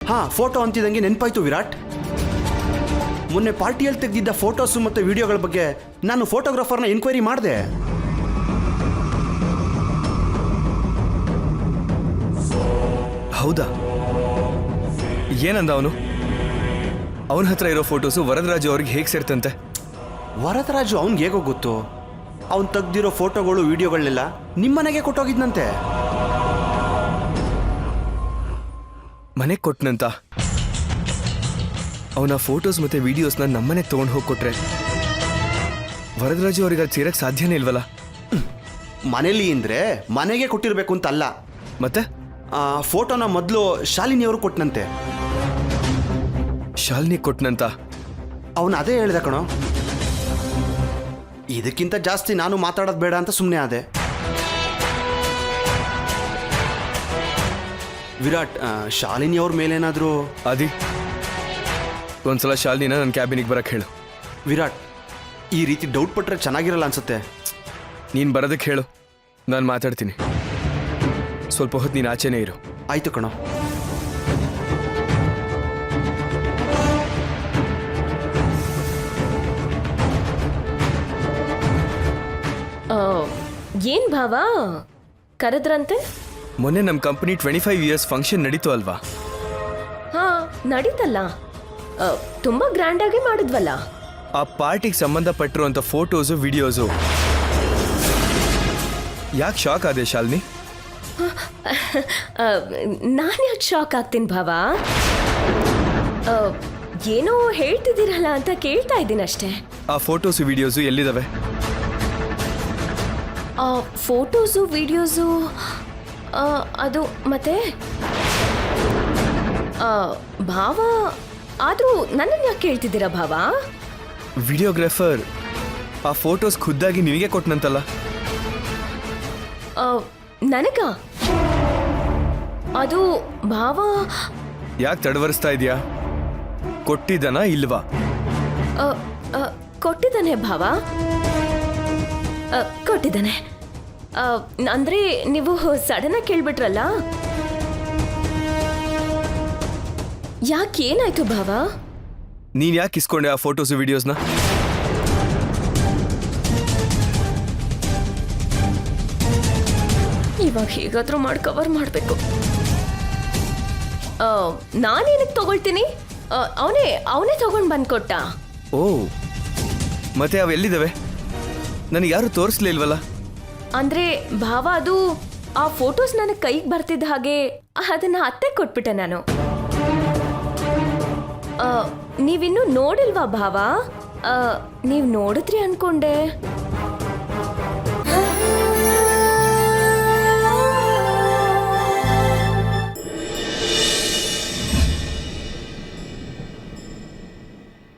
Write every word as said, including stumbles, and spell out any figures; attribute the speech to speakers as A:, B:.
A: ಹಾ ಫೋಟೋ ಅಂತಿದಂಗೆ ನೆನಪಾಯ್ತು ವಿರಾಟ್. ಮೊನ್ನೆ ಪಾರ್ಟಿಯಲ್ಲಿ ತೆಗೆದಿದ್ದ ಫೋಟೋಸು ಮತ್ತು ವಿಡಿಯೋಗಳ ಬಗ್ಗೆ ನಾನು ಫೋಟೋಗ್ರಾಫರ್ನ ಎನ್ಕ್ವೈರಿ ಮಾಡಿದೆ.
B: ಹೌದಾ? ಏನಂದ ಅವನು? ಅವನ ಹತ್ರ ಇರೋ ಫೋಟೋಸು ವರದರಾಜು ಅವ್ರಿಗೆ ಹೇಗೆ ಸೇರ್ತಂತೆ?
A: ವರದರಾಜು ಅವ್ನಿಗೆ ಹೇಗೋ ಗೊತ್ತು. ಅವ್ನು ತೆಗ್ದಿರೋ ಫೋಟೋಗಳು ವಿಡಿಯೋಗಳನ್ನೆಲ್ಲ ನಿಮ್ಮನೆಗೆ ಕೊಟ್ಟೋಗಿದ್ನಂತೆ.
B: ಮನೆಗೆ ಕೊಟ್ಟನಂತ? ಅವನ ಫೋಟೋಸ್ ಮತ್ತೆ ವಿಡಿಯೋಸ್ನ ನಮ್ಮನೆಗೆ ತೊಗೊಂಡು ಹೋಗಿ ಕೊಟ್ರೆ ವರದರಾಜು ಅವ್ರಿಗೆ ಅದು ಸೇರಕ್ಕೆ ಸಾಧ್ಯನೇ ಇಲ್ವಲ್ಲ?
A: ಮನೇಲಿ ಅಂದರೆ ಮನೆಗೆ ಕೊಟ್ಟಿರಬೇಕು ಅಂತ ಅಲ್ಲ.
B: ಮತ್ತೆ
A: ಫೋಟೋನ ಮೊದಲು ಶಾಲಿನಿ ಅವರು ಕೊಟ್ಟನಂತೆ.
B: ಶಾಲಿನಿ ಕೊಟ್ಟನಂತ?
A: ಅವನು ಅದೇ ಹೇಳ್ದ ಕಣೋ. ಇದಕ್ಕಿಂತ ಜಾಸ್ತಿ ನಾನು ಮಾತಾಡೋದು ಬೇಡ ಅಂತ ಸುಮ್ಮನೆ ಆದೆ. ವಿರಾಟ್, ಶಾಲಿನಿ ಅವ್ರ ಮೇಲೇನಾದರೂ
B: ಅದಿ ಒಂದ್ಸಲ ಶಾಲಿನಿನ ನನ್ನ ಕ್ಯಾಬಿನಿಗೆ ಬರಕ್ಕೆ ಹೇಳು.
A: ವಿರಾಟ್, ಈ ರೀತಿ ಡೌಟ್ ಪಟ್ಟರೆ ಚೆನ್ನಾಗಿರಲ್ಲ ಅನ್ಸುತ್ತೆ.
B: ನೀನು ಬರೋದಕ್ಕೆ ಹೇಳು, ನಾನು ಮಾತಾಡ್ತೀನಿ. ಸ್ವಲ್ಪ ಹೊತ್ತು ನೀನು ಆಚೆನೇ ಇರು.
A: ಆಯ್ತು ಕಣೋ.
C: ಏನ್ ಭಾವ ಕರೆದ್ರಂತೆ?
B: ಮೊನ್ನೆ ನಮ್ಮ company twenty five years function ನಡೀತು ಅಲ್ವಾ?
C: ಹಾ ನಡೀತಲ್ಲ, ತುಂಬಾ ಗ್ರ್ಯಾಂಡ್ ಆಗಿ ಮಾಡಿದ್ವಲ್ಲ.
B: ಆ ಪಾರ್ಟಿಗೆ ಸಂಬಂಧಪಟ್ಟಿರುವಂಥ ಫೋಟೋಸು ವಿಡಿಯೋಸು ಯಾಕೆ ಶಾಕ್ ಆದೆ ಶಾಲಿನಿ?
C: ನಾನು ಯಾಕೆ ಶಾಕ್ ಆಗ್ತೀನಿ ಭಾವ? ಏನೋ ಹೇಳ್ತಿದ್ದೀರಲ್ಲ ಅಂತ ಕೇಳ್ತಾ ಇದ್ದೀನಿ ಅಷ್ಟೇ.
B: ಆ ಫೋಟೋಸು ವಿಡಿಯೋಸು ಎಲ್ಲಿದ್ದಾವೆ?
C: ಆ ಫೋಟೋಸು ವಿಡಿಯೋಸು ಅದು ಮತ್ತೆ ಭಾವ, ಆದರೂ ನನ್ನನ್ನು ಯಾಕೆ ಕೇಳ್ತಿದ್ದೀರಾ ಭಾವ?
B: ವಿಡಿಯೋಗ್ರಾಫರ್ ಆ ಫೋಟೋಸ್ ಖುದ್ದಾಗಿ ನಿನಗೆ ಕೊಟ್ಟನಂತಲ್ಲ?
C: ನನಗ ಅದು ಭಾವ.
B: ಯಾಕೆ ತಡವರಿಸ್ತಾ ಇದೆಯಾ? ಕೊಟ್ಟಿದ್ದಾನಾ ಇಲ್ವಾ?
C: ಕೊಟ್ಟಿದ್ದಾನೆ ಭಾವ, ಕೊಟ್ಟಿದ್ದಾನೆ. ಅಂದ್ರೆ ನೀವು ಸಡನ್ ಆಗಿ ಕೇಳ್ಬಿಟ್ರಲ್ಲ, ಯಾಕೆ ಏನಾಯ್ತು ಭಾವ?
B: ನೀನ್ ಯಾಕೆ ಇಸ್ಕೊಂಡೆ ಆ ಫೋಟೋಸು ವಿಡಿಯೋಸ್ನ?
C: ಇವಾಗ ಹೇಗಾದ್ರೂ ಮಾಡಿ ಕವರ್ ಮಾಡಬೇಕು. ನಾನೇನಕ್ಕೆ ತಗೊಳ್ತೀನಿ? ಅವನೇ ಅವನೇ ತಗೊಂಡು ಬಂದ್ಕೊಟ್ಟ.
B: ಓ, ಮತ್ತೆ ಅವೆಲ್ಲಿದ್ದಾವೆ? ನನಗೆ ಯಾರು ತೋರಿಸ್ಲಿಲ್ವಲ್ಲ?
C: ಅಂದ್ರೆ ಭಾವ, ಅದು ಆ ಫೋಟೋಸ್ ನನಗೆ ಕೈಗೆ ಬರ್ತಿದ್ದ ಹಾಗೆ ಅದನ್ನ ಅತ್ತೆ ಕೊಟ್ಬಿಟ್ಟೆ ನಾನು. ನೀವಿನ್ನೂ ನೋಡಿಲ್ವಾ ಭಾವ? ನೀವು ನೋಡಿದ್ರಿ ಅನ್ಕೊಂಡೆ.